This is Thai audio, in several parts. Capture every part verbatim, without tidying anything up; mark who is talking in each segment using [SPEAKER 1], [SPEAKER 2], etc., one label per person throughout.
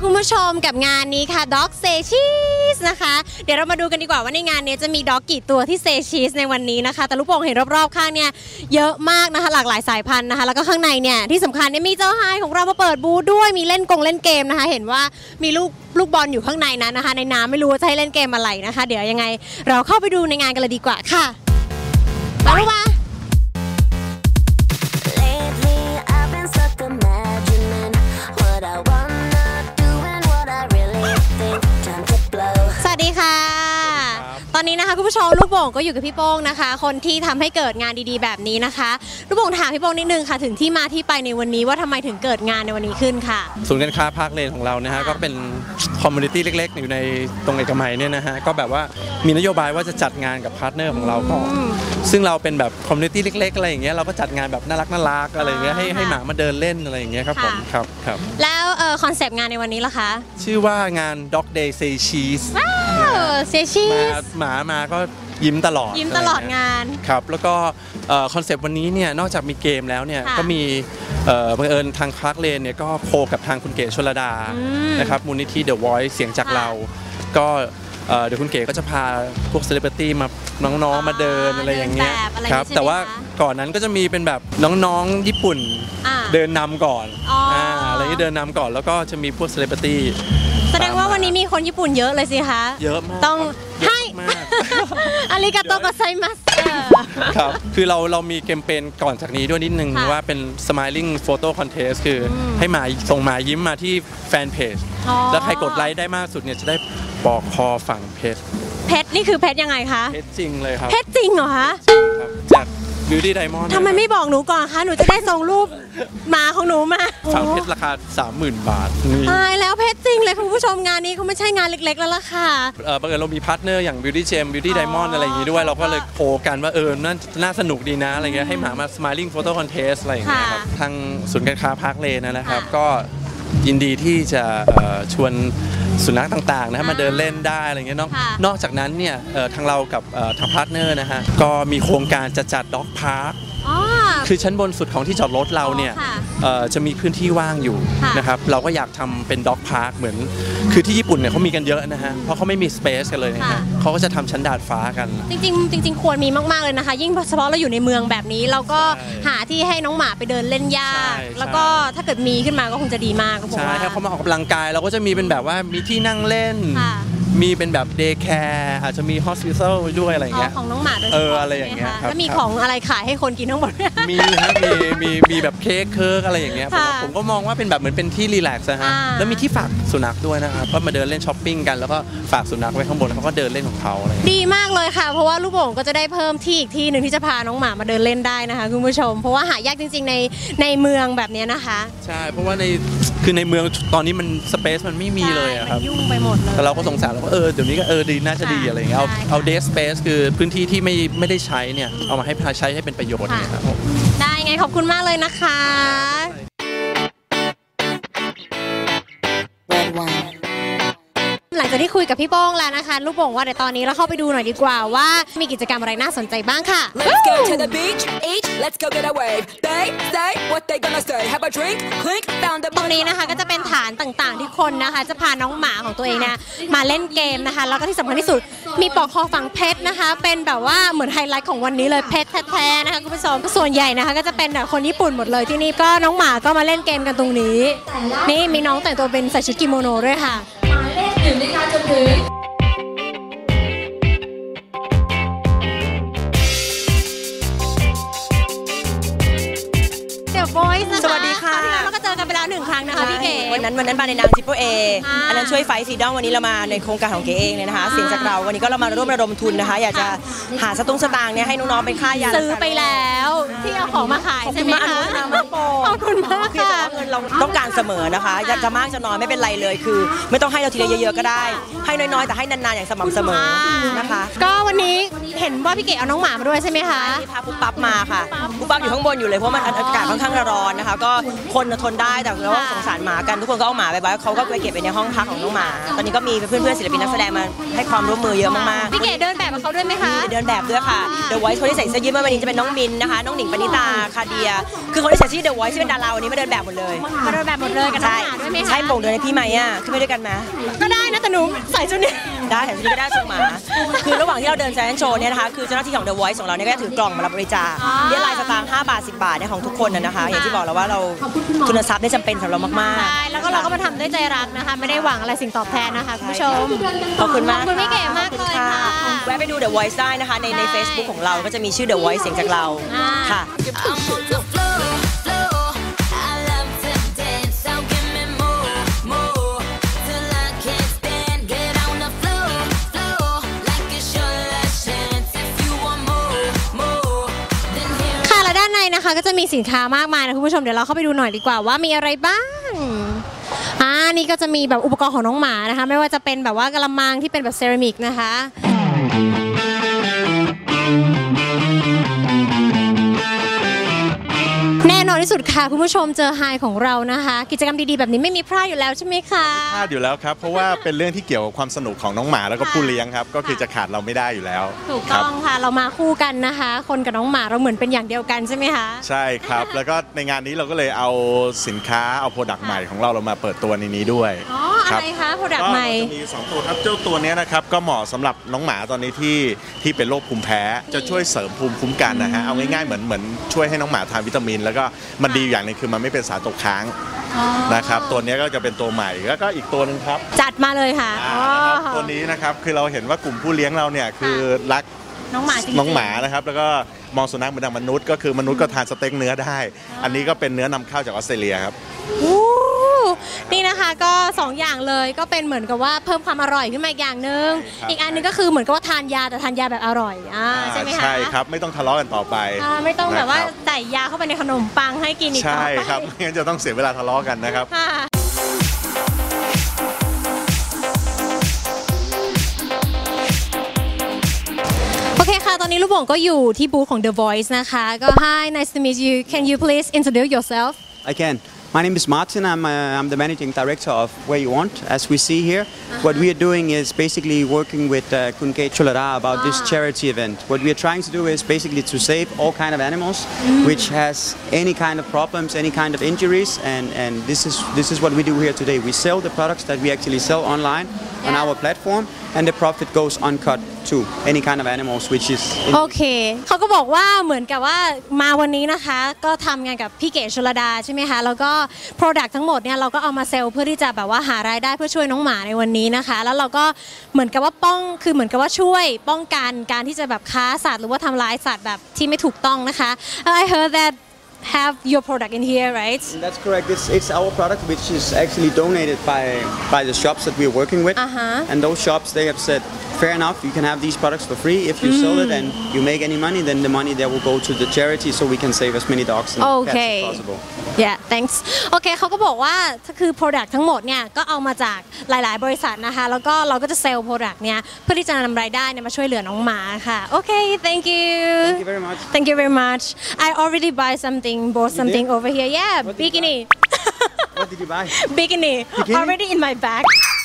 [SPEAKER 1] คุณผู้ชมกับงานนี้ค่ะ Dog Say Cheese นะคะเดี๋ยวเรามาดูกันดีกว่าว่าในงานนี้จะมีด็อกกี่ตัวที่ Say Cheese ในวันนี้นะคะแต่ลูกโป่งเห็นรอบๆข้างเนี่ยเยอะมากนะคะหลากหลายสายพันธุ์นะคะแล้วก็ข้างในเนี่ยที่สำคัญเนี่ยมีเจ้าไฮของเรามาเปิดบูธด้วยมีเล่นกงเล่นเกมนะคะเห็นว่ามีลูกลูกบอลอยู่ข้างในนั้นนะคะในน้ำไม่รู้ว่าจะให้เล่นเกมอะไรนะคะเดี๋ยวยังไงเราเข้าไปดูในงานกันเลยดีกว่าค่ะมาลูกมาสวัสดีค่ะตอนนี้นะคะคุณผู้ชมลูกโป่งก็อยู่กับพี่โป้งนะคะคนที่ทำให้เกิดงานดีๆแบบนี้นะคะลูกโป่งถามพี่โป้งนิดนึงค่ะถึงที่มาที่ไปในวันนี้ว่าทำไมถึงเกิดงานในวันนี้ขึ้นค่ะ
[SPEAKER 2] ศูนย์การค้าพาร์คเลนของเรานะฮะก็เป็นคอมมูนิตี้เล็กๆอยู่ในตรงเอกมัยเนี่ยนะฮะก็แบบว่ามีนโยบายว่าจะจัดงานกับพาร์ทเนอร์ของเราก่อนซึ่งเราเป็นแบบคอมมูนิตี้เล็กๆอะไรอย่างเงี้ยเราก็จัดงานแบบน่ารักน่ารักอะไรอย่างเงี้ยให้ให้หมามาเดินเล่นอะไรอย่างเงี้ยครับผมครับครับ
[SPEAKER 1] แล้วคอนเซปต์งานในวันนี้ล่ะคะ
[SPEAKER 2] ชื่อว่างาน Dog Day Say Cheese
[SPEAKER 1] เซชีส
[SPEAKER 2] หมามาก็ยิ้มตลอด
[SPEAKER 1] ยิ้มตลอดงาน
[SPEAKER 2] ครับแล้วก็คอนเซปต์วันนี้เนี่ยนอกจากมีเกมแล้วเนี่ยก็มีบังเอิญทางพาร์คเลนเนี่ยก็โคกับทางคุณเก๋ชลดานะครับมูลนิธิ The Voice เสียงจากเราก็เดี๋ยวคุณเก๋ก็จะพาพวกเซเลบริตี้มาน้องๆมาเดินอะไรอย่างเงี้ยครับแต่ว่าก่อนนั้นก็จะมีเป็นแบบน้องๆญี่ปุ่นเดินนำก่อนอะไรที่เดินนำก่อนแล้วก็จะมีพวกเซเลบริตี้
[SPEAKER 1] แสดงว่าวันนี้มีคนญี่ปุ่นเยอะเลยสิคะ
[SPEAKER 2] เยอะมาก
[SPEAKER 1] ต้องให้อาริกาโตโกไซมัส
[SPEAKER 2] ครับคือเราเรามีแคมเปญก่อนจากนี้ด้วยนิดนึงว่าเป็น Smiling Photo Contest คือให้หมาส่งหมายิ้มมาที่แฟนเพจแล้วใครกดไลค์ได้มากสุดเนี่ยจะได้ปอกคอฝังเพชร
[SPEAKER 1] เพชรนี่คือเพชรยังไงคะ
[SPEAKER 2] เพชรจริงเลยครับ
[SPEAKER 1] เพชรจริงเหรอคะ
[SPEAKER 2] จากBeauty Diamond
[SPEAKER 1] ทำไมไม่บอกหนูก่อนคะหนูจะได้ส่งรูปหมาของหนูมา
[SPEAKER 2] ฝังเพชรราคา สามหมื่น บาท
[SPEAKER 1] ตายแล้วเพชรจริงเลยคุณผู้ชมงานนี้เขาไม่ใช่งานเล็กๆแล้วล่ะค่ะ
[SPEAKER 2] เออบังเอิญเรามีพาร์ทเนอร์อย่าง Beauty Gem Beauty Diamond อะไรอย่างนี้ด้วยเราก็เลยโคกันว่าเออน่าน่าสนุกดีนะอะไรเงี้ยให้หมามา Smiling Photo Contest อะไรอย่างเงี้ยครับทางศูนย์การค้าพาร์คเลนนะครับก็ยินดีที่จะชวนสุนัขต่างๆนะมาเดินเล่นได้อะไรเงี้ยนอกจากนั้นเนี่ยทางเรากับทางพาร์ทเนอร์นะฮะก็มีโครงการจะจัดด็อกพาร์คคือชั้นบนสุดของที่จอดรถเราเนี่ยจะมีพื้นที่ว่างอยู่นะครับเราก็อยากทำเป็นด็อกพาร์คเหมือนคือที่ญี่ปุ่นเนี่ยเขามีกันเยอะนะฮะเพราะเขาไม่มีสเปซกันเลยนะฮะเขาก็จะทำชั้นดาดฟ้ากัน
[SPEAKER 1] จริงๆจริงๆควรมีมากๆเลยนะคะยิ่งเฉพาะเราอยู่ในเมืองแบบนี้เราก็หาที่ให้น้องหมาไปเดินเล่นยากแล้วก็ถ้าเกิดมีขึ้นมาก็คงจะดีมาก
[SPEAKER 2] ใช่ถ้าเขามาออกกำลังกายเราก็จะมีเป็นแบบว่ามีที่นั่งเล่นมีเป็นแบบเดย์แคร์อาจจะมีฮอสพิทอลด้วยอะไรอย่างเงี้ย
[SPEAKER 1] ของน้องหมาโดยเฉพาะ
[SPEAKER 2] เอออะไรอย่างเงี้ย
[SPEAKER 1] แล้วมีของอะไรขายให้คนกินทั้งหมด
[SPEAKER 2] มีฮะมีมีมีแบบเค้กเคิร์กอะไรอย่างเงี้ยผมก็มองว่าเป็นแบบเหมือนเป็นที่รีแลกซ์นะฮะแล้วมีที่ฝากสุนัขด้วยนะครับก็มาเดินเล่นช้อปปิ้งกันแล้วก็ฝากสุนัขไว้ข้างบนเขาก็เดินเล่นของเขาอะไร
[SPEAKER 1] ดีมากเลยค่ะเพราะว่าลูกโป่งก็จะได้เพิ่มที่อีกที่หนึ่งที่จะพาน้องหมามาเดินเล่นได้นะคะคุณผู้ชมเพราะว่าหายากจริงๆในในเมืองแบบนี้นะคะ
[SPEAKER 2] ใช่เพราะว่าในคือในเมืองตอนนี้มันสเปซมันไม่มีเลยครับ
[SPEAKER 1] ยุ่งไปหมดเลย
[SPEAKER 2] แต่เราก็สงสารเราก็เออเดี๋ยวนี้ก็เออดีน่าจะดีอะไรอย่างเงี้ยเอาเอาเดสสเปซคือพื้นที่ที่ไม่ไม่ได้ใช้เนี่ยเอามาให้ใช้ให้เป็นประโยชน์เนี่ยครับ
[SPEAKER 1] ได้ไงขอบคุณมากเลยนะคะหลังจากที่คุยกับพี่โป้งแล้วนะคะลูกโป่งว่าเดี๋ยวตอนนี้เราเข้าไปดูหน่อยดีกว่าว่ามีกิจกรรมอะไรน่าสนใจบ้างค่ะ Let's go to the beach each let's go get a wave they say what they gonna say have a drink clink found the ตรงนี้นะคะก็จะเป็นฐานต่างๆที่คนนะคะจะพาน้องหมาของตัวเองเนี่ยมาเล่นเกมนะคะแล้วก็ที่สำคัญที่สุดมีปลอกคอฝังเพชรนะคะเป็นแบบว่าเหมือนไฮไลท์ของวันนี้เลยเพชรแท้ๆนะคะคุณผู้ชมส่วนใหญ่นะคะก็จะเป็นคนญี่ปุ่นหมดเลยที่นี่ก็น้องหมาก็มาเล่นเกมกันตรงนี้นี่มีน้องแต่งตัวเป็นใส่ชุดกิโมโนด้วยค่ะอยู่ในการจนถึงเดี๋ยวบอยส์นะคะ
[SPEAKER 3] สวัสดีค่ะ
[SPEAKER 1] เราก็เจอกันไปแล้วหนึ่งครั้งนะคะพี่เก๋
[SPEAKER 3] วันนั้นวันนั้นมาในนามจิปโปเออันนั้นช่วยไฟซีดองวันนี้เรามาในโครงการของเก๋เองเลยนะคะเสียงจากเราวันนี้ก็เรามาร่วมระดมทุนนะคะอยากจะหาสตุ้งสตางค์เนี่ยให้น้องๆเป็นค่ายา
[SPEAKER 1] ซื้อไปแล้วที่เอาของมาขายใช่ไหมคะขอบคุณมากค่ะ
[SPEAKER 3] เงินเราต้องการเสมอนะคะจะมากจะน้อยไม่เป็นไรเลยคือไม่ต้องให้เราทีเดียวเยอะๆก็ได้ให้น้อยๆแต่ให้นานๆอย่างสม่ำเสมอนะคะ
[SPEAKER 1] ก็วันนี้เห็นว่าพี่เก๋เอาน้องหมามาด้วยใช่ไหมคะ
[SPEAKER 3] พาปุ๊บปั๊บมาค่ะปุ๊บปั๊บอยู่ข้างบนอยู่เลยเพราะมันอากาศค่อนข้างร้อนนะคะก็คนทนได้แต่เราสงสารหมากันทุกคนก็เอาหมาไปไว้เขาก็ไปเก็บไปในห้องพักของน้องหมาตอนนี้ก็มีเพื่อนๆศิลปินนักแสดงมาให้ความร่วมมือเยอะมาก
[SPEAKER 1] ๆพี่เก๋เดินแบบกับเขาด้วยไหมคะ
[SPEAKER 3] เดินแบบด้วยค่ะเดี๋ยวไว้คนที่ใส่เสื้อยืดเมื่อวันนี้จะเป็นน้องมินนะคะน้องหนิงปณิณิตาคาเดียคือคนที่ใส่ชื่อ The Voice ที่เป็นดาราวันนี้มาเดินแบบหมดเลย
[SPEAKER 1] มาเดินแบบหมดเลยกับน้องหมาด้วยไหมคะ
[SPEAKER 3] ใช่โป่งเดินให้พี่ไหมอ่ะขึ้นไปด้วยกันไหม
[SPEAKER 1] ก็ได้นะแต่หนูใส่ชุดนี้
[SPEAKER 3] ได้แต่ชุดนี้ก็ได้ส่งหมาคือระหว่างที่เราเดินแฟชั่นโชว์เนี่ยนะคะคือเจ้าหน้าที่ของ The Voice ของเราเนี่ยก็จะถือกล่องมารับบริจาคเรียกรายสตางค์ห้าบาทสิบบาทเนี่ยของทุกคนนะคะ อย่างที่บอกแล้วว่าเราทุนทรัพย์ได้จำเป็นสำหรับเรามากๆ
[SPEAKER 1] ใช่แล้วก็เราก็มาทำด้วยใจรักนะคะไม่ได้หวังอะไรสิ่งตอบแทนนะคะคุณผู้ชม
[SPEAKER 3] ขอบคุณมาก
[SPEAKER 1] ขอบคุณพี่เก๋มากเลยค่ะ
[SPEAKER 3] แวะไปดู The Voice ได้นะคะในใน Facebook ของเราก็จะมีชื่อ The Voice เสียงจากเราค่ะ
[SPEAKER 1] นะคะก็จะมีสินค้ามากมายนะคุณผู้ชมเดี๋ยวเราเข้าไปดูหน่อยดีกว่าว่ามีอะไรบ้างอ่านี่ก็จะมีแบบอุปกรณ์ของน้องหมานะคะไม่ว่าจะเป็นแบบว่ากระมังที่เป็นแบบเซรามิกนะคะแน่นอนที่สุดค่ะคุณผู้ชมเจอไฮของเรานะคะกิจกรรมดีๆแบบนี้ไม่มีพลาดอยู่แล้วใช่ไหมคะ
[SPEAKER 4] พลาดอยู่แล้วครับเพราะว่าเป็นเรื่องที่เกี่ยวกับความสนุกของน้องหมาแล้วก็ผู้เลี้ยงครับก็คือจะขาดเราไม่ได้อยู่แล้ว
[SPEAKER 1] ถูกต้องค่ะเรามาคู่กันนะคะคนกับน้องหมาเราเหมือนเป็นอย่างเดียวกันใช่ไหมคะ
[SPEAKER 4] ใช่ครับแล้วก็ในงานนี้เราก็เลยเอาสินค้าเอาโปรดักต์ใหม่ของเราเรามาเปิดตัวในนี้ด้วย
[SPEAKER 1] อ๋ออะไรคะโปรดักต์ใหม่
[SPEAKER 4] ก็จะมีสองตัวครับเจ้าตัวนี้นะครับก็เหมาะสำหรับน้องหมาตอนนี้ที่ที่เป็นโรคภูมิแพ้จะช่วยเสริมภูมิคุ้มกันนะฮะเอาง่ายๆเหมือนเหมือนช่วยให้น้องหมาทานวิตามินแล้วก็มันดีอย่างนึงคือมันไม่เป็นสารตกค้างนะครับตัวนี้ก็จะเป็นตัวใหม่แล้วก็อีกตัวนึงครับ
[SPEAKER 1] จัดมาเลยค่ะ
[SPEAKER 4] ตัวนี้นะครับคือเราเห็นว่ากลุ่มผู้เลี้ยงเราเนี่ยคือรัก
[SPEAKER 1] น้องหมา
[SPEAKER 4] น้องหมานะครับแล้วก็มองสุนัขเหมือนดังมนุษย์ก็คือมนุษย์ก็ทานสเต็กเนื้อได้อันนี้ก็เป็นเนื้อนำเข้าจากออสเตรเลียครับ
[SPEAKER 1] นี่นะคะก็สองอย่างเลยก็เป็นเหมือนกับว่าเพิ่มความอร่อยขึ้นมาอีกอย่างนึงอีกอันนึงก็คือเหมือนกับว่าทานยาแต่ทานยาแบบอร่อยอ่าใช่ไหมคะ
[SPEAKER 4] ใช่ครับไม่ต้องทะเลาะกันต่อไป
[SPEAKER 1] ไม่ต้องแบบว่าใส่ยาเข้าไปในขนมปังให้กินอีก
[SPEAKER 4] ใช่ครับไม่งั้นจะต้องเสียเวลาทะเลาะกันนะครับ
[SPEAKER 1] โอเคค่ะตอนนี้ลูกโป่งก็อยู่ที่บูธของ The Voice นะคะก็ Hi nice to meet you Can you please introduce yourself
[SPEAKER 5] I can.My name is Martin. I'm, uh, I'm the managing director of Where You Want. As we see here, uh-huh. what we are doing is basically working with uh, Kungay Cholada about ah. this charity event. What we are trying to do is basically to save all kind of animals, mm. which has any kind of problems, any kind of injuries, and, and this is this is what we do here today. We sell the products that we actually sell online yeah. on our platform, and the profit goes uncut to any kind of animals, which is
[SPEAKER 1] โอเคเขาก็บอกว่าเหมือนกับว่ามาวันนี้นะคะก็ทำงานกับพี่เก๋ชลดาใช่ไหมคะแล้วก็ Product ทั้งหมดเนี่ยเราก็เอามาเซลล์เพื่อที่จะแบบว่าหารายได้เพื่อช่วยน้องหมาในวันนี้นะคะแล้วเราก็เหมือนกับว่าป้องคือเหมือนกับว่าช่วยป้องกันการที่จะแบบค้าสัตว์หรือว่าทำร้ายสัตว์แบบที่ไม่ถูกต้องนะคะ I heard that have your product in here, right?
[SPEAKER 5] That's correct. It's, it's our product which is actually donated by by the shops that we're working with.
[SPEAKER 1] Uh-huh.
[SPEAKER 5] And those shops, they have said, fair enough, you can have these products for free. If you mm. sell it and you make any money, then the money there will go to the charity so we can save as many dogs and
[SPEAKER 1] okay.
[SPEAKER 5] cats as possible.
[SPEAKER 1] Yeah, thanks. โอเคเขาก็บอกว่าคือ product ทั้งหมดเนี่ยก็เอามาจากหลายๆบริษัทนะคะแล้วก็เราก็จะเซลล์ product เนี่ยเพื่อที่จะนำรายได้เนี่ยมาช่วยเหลือน้องหมาค่ะโอเค thank you
[SPEAKER 5] thank you very much
[SPEAKER 1] thank you very much I already buy something bought something over here yeah bikini
[SPEAKER 5] what did you buy
[SPEAKER 1] bikini already in my bag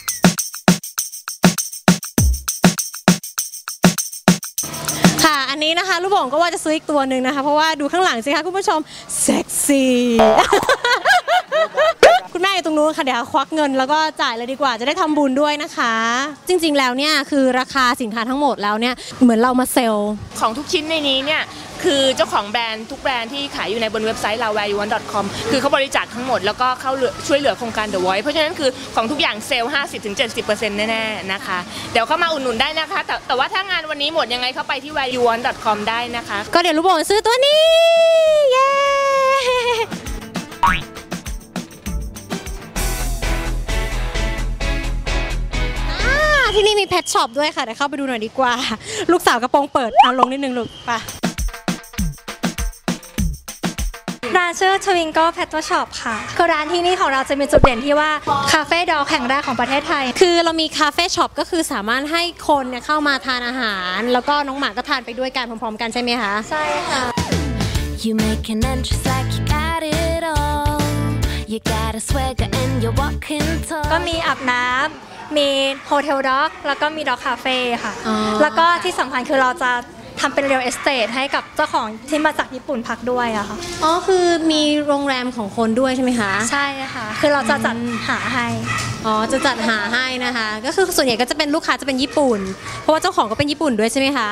[SPEAKER 1] ค่ะอันนี้นะคะลูกโป่งก็ว่าจะซื้ออีกตัวหนึ่งนะคะเพราะว่าดูข้างหลังสิคะคุณผู้ชมเซ็กซี่คุณแม่อยู่ตรงนู้นค่ะเดี๋ยวควักเงินแล้วก็จ่ายเลยดีกว่าจะได้ทำบุญด้วยนะคะจริงๆแล้วเนี่ยคือราคาสินค้าทั้งหมดแล้วเนี่ยเหมือนเรามาเซลล์
[SPEAKER 6] ของทุกชิ้นในนี้เนี่ยคือเจ้าของแบรนด์ทุกแบรนด์ที่ขายอยู่ในบนเว็บไซต์เรา แวร์ ยู วัน ดอท คอม คือเขาบริจาคทั้งหมดแล้วก็เข้าช่วยเหลือโครงการ The Voice เพราะฉะนั้นคือของทุกอย่างเซลล์ ห้าสิบถึงเจ็ดสิบเปอร์เซ็นต์ แน่ๆนะคะเดี๋ยวเข้ามาอุดหนุนได้นะคะแต่แต่ว่าถ้างานวันนี้หมดยังไงเข้าไปที่ แวร์ ยู วัน ดอท คอม ได้นะคะ
[SPEAKER 1] ก็เดี๋ยวลูกโป่งซื้อตัวนี้เย้ที่นี่มีเพทช็อปด้วยค่ะเดี๋ยวเข้าไปดูหน่อยดีกว่าลูกสาวกระโปรงเปิดเอาลงนิดนึงลูกไป
[SPEAKER 7] ร้านชื่อทวิงโก้เพทช็อปค่ะคือร้านที่นี่ของเราจะมีจุดเด่นที่ว่าคาเฟ่ดอกแห่งแรกของประเทศไทย
[SPEAKER 1] คือเรามีคาเฟ่ช็อปก็คือสามารถให้คนเนี่ยเข้ามาทานอาหารแล้วก็น้องหมาก็ทานไปด้วยกันพร้อมๆกันใช่ไหมคะ
[SPEAKER 7] ใช่ค่ะ
[SPEAKER 8] You make an entrance like you got it all You got a swagger and you're walking tall
[SPEAKER 7] ก็มีอาบน้ำมีโฮเทลด็อกแล้วก็มีด็อกคาเฟ่ค่ะแล้วก็ที่สำคัญคือเราจะททำเป็นเรียลเอสเตทให้กับเจ้าของที่มาจากญี่ปุ่นพักด้วยอะค่ะ
[SPEAKER 1] อ๋อคือมีโรงแรมของคนด้วยใช่ไหมคะ
[SPEAKER 7] ใช่ค่ะคือเราจะจัดหาให้
[SPEAKER 1] อ๋อจะจัดหาให้นะคะก็คือส่วนใหญ่ก็จะเป็นลูกค้าจะเป็นญี่ปุ่นเพราะว่าเจ้าของก็เป็นญี่ปุ่นด้วยใช่ไหมคะ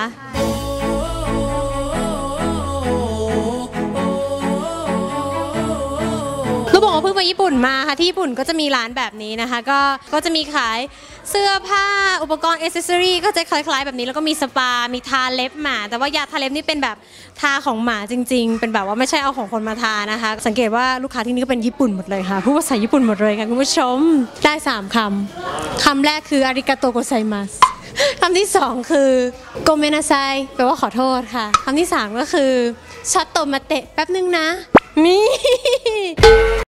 [SPEAKER 1] ลูกบอกว่าเพิ่งไปญี่ปุ่นมาค่ะที่ญี่ปุ่นก็จะมีร้านแบบนี้นะคะก็ก็จะมีขายเสื้อผ้าอุปกรณ์อิสเซอรี่ก็จะคล้ายๆแบบนี้แล้วก็มีสปามีทาเล็บหมาแต่ว่ายาทาเล็บนี่เป็นแบบทาของหมาจริงๆเป็นแบบว่าไม่ใช่เอาของคนมาทานะคะสังเกตว่าลูกค้าที่นี่ก็เป็นญี่ปุ่นหมดเลยค่ะพูดภาษาญี่ปุ่นหมดเลยค่ะคุณผู้ชมได้สามคำคำแรกคืออาริกาโตโกไซมัสคำที่สองคือโกเมนาไซแปลว่าขอโทษค่ะคำที่สามก็คือช็อตโตมาเตะแป๊บนึงนะนี่